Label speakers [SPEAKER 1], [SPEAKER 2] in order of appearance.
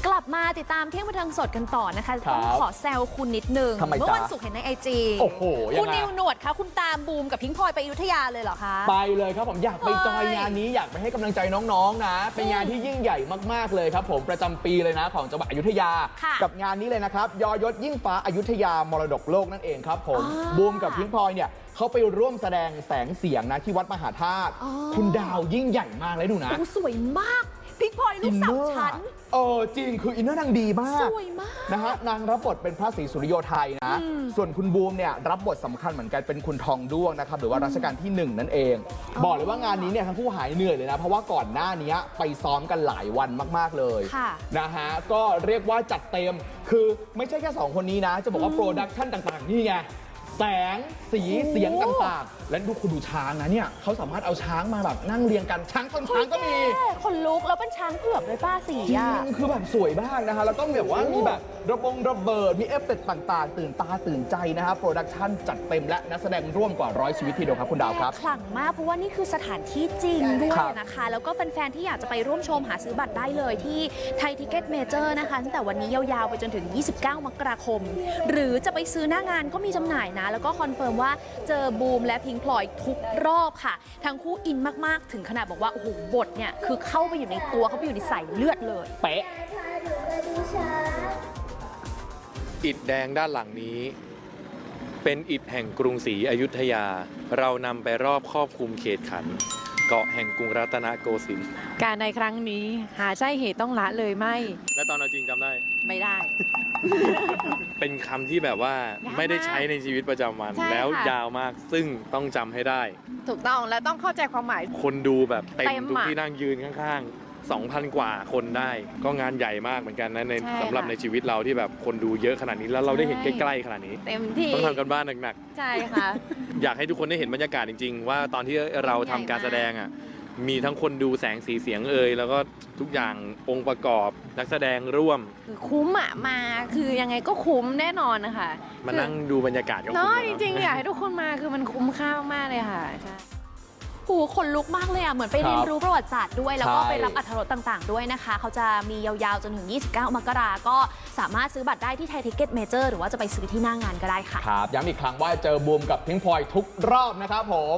[SPEAKER 1] กลับมาติดตามเที่ยงบันเทิงสดกันต่อนะคะต้องขอแซวคุณนิดนึงเมื่อวันศุกร์เห็นในIG
[SPEAKER 2] โอ้โห
[SPEAKER 1] คุณนิวหนวดคะคุณตามบูมกับพิงพลอยไปอยุธยาเลยเหรอคะ
[SPEAKER 2] ไปเลยครับผมอยากไปจอยงานนี้อยากไปให้กำลังใจน้องๆนะเป็นงานที่ยิ่งใหญ่มากๆเลยครับผมประจำปีเลยนะของจังหวัดอยุธยากับงานนี้เลยนะครับยยศยิ่งฟ้าอยุธยามรดกโลกนั่นเองครับผมบูมกับพิงพลอยเนี่ยเขาไปร่วมแสดงแสงเสียงนะที่วัดมหาธาตุคุณดาวยิ่งใหญ่มากเลยดูนะ
[SPEAKER 1] สวยมากพิงพลอยลูกสาวฉัน
[SPEAKER 2] จริงคืออินเนอร์นางดีมาก
[SPEAKER 1] สวยมาก
[SPEAKER 2] นะฮะนางรับบทเป็นพระศรีสุริโยไทยนะส่วนคุณบูมเนี่ยรับบทสำคัญเหมือนกันเป็นคุณทองด้วงนะครับหรือว่ารัชกาลที่1นั่นเองบอกเลยว่างานนี้เนี่ยทั้งคู่หายเหนื่อยเลยนะเพราะว่าก่อนหน้านี้ไปซ้อมกันหลายวันมากๆเลยนะฮะก็เรียกว่าจัดเต็มคือไม่ใช่แค่2คนนี้นะจะบอกว่าโปรดักชั่นต่างๆนี่ไงแสงสีเสียงต่างๆและคุณดูช้างนะเนี่ยเขาสามารถเอาช้างมาแบบนั่งเรียงกันช้างต้นช้างก็มี
[SPEAKER 1] คนลุกแล้วเป็นช้างเผือกด้วยป้าสีอ่ะ
[SPEAKER 2] คือแบบสวยมากนะคะแล้วก็แบบว่ามีแบบระเบิดมีเอฟเฟกต์ต่างๆตื่นตาตื่นใจนะครับโปรดักชั่นจัดเต็มและนักแสดงร่วมกว่า100ชีวิตทีเดียวครับคุณดาวครับ
[SPEAKER 1] ขลังมากเพราะว่านี่คือสถานที่จริงด้วยนะคะแล้วก็แฟนๆที่อยากจะไปร่วมชมหาซื้อบัตรได้เลยที่ไทยทิเก็ตเมเจอร์นะคะตั้งแต่วันนี้ยาวๆไปจนถึง29มกราคมหรือจะไปซื้อหน้างานก็มีจำหน่ายนะแล้วก็คอนเฟิร์มว่าเจอบูมและพิงพลอยทุกรอบค่ะทั้งคู่อินมากๆถึงขนาดบอกว่าโอ้โหบทเนี่ยคือเข้าไปอยู่ในตัวเขาไปอยู่ในสายเลือดเลย
[SPEAKER 2] เป๊ะ
[SPEAKER 3] อิฐแดงด้านหลังนี้เป็นอิฐแห่งกรุงศรีอยุธยาเรานำไปรอบครอบคลุมเขตขันเกาะแห่งกรุงรัตนโกสินทร์
[SPEAKER 4] การในครั้งนี้หาใช่เหตุต้องละเลยไม่
[SPEAKER 3] และตอนเอาจริงจำได้
[SPEAKER 4] ไม่ได้
[SPEAKER 3] เป็นคำที่แบบว่าไม่ได้ใช้ในชีวิตประจำวันแล้วยาวมากซึ่งต้องจำให้ได้
[SPEAKER 4] ถูกต้องและต้องเข้าใจความหมาย
[SPEAKER 3] คนดูแบบเต็มทุกที่นั่งยืนข้างๆ2,000 กว่าคนได้ก็งานใหญ่มากเหมือนกันนะในสำหรับในชีวิตเราที่แบบคนดูเยอะขนาดนี้แล้วเราได้เห็นใกล้ๆขนาดนี้
[SPEAKER 4] เต็มที่
[SPEAKER 3] ต้องทำกันบ้านหนัก
[SPEAKER 4] ๆใช่ค่ะ
[SPEAKER 3] อยากให้ทุกคนได้เห็นบรรยากาศจริงๆว่าตอนที่เราทำการแสดงอ่ะมีทั้งคนดูแสงสีเสียงแล้วก็ทุกอย่างองค์ประกอบนักแสดงร่วม
[SPEAKER 4] คือคุ้มมาคือยังไงก็คุ้มแน่นอนนะคะ
[SPEAKER 3] มานั่งดูบรรยากาศก็คุ้ม
[SPEAKER 4] เนาะจริงๆอยากให้ทุกคนมาคือมันคุ้มค่ามากๆเลยค่ะใช่
[SPEAKER 1] หูคนลุกมากเลยอ่ะเหมือนไปเรียนรู้ประวัติศาสตร์ด้วยแล้วก็ไปรับอรรถรสต่างๆด้วยนะคะเขาจะมียาวๆจนถึง29มกราก็สามารถซื้อบัตรได้ที่ไทยทิเก็ตเมเจอร์หรือว่าจะไปซื้อที่หน้างานก็ได้ค่ะ
[SPEAKER 2] ครับย้ำอีกครั้งว่าเจอบูมกับพิงพลอยทุกรอบนะครับผม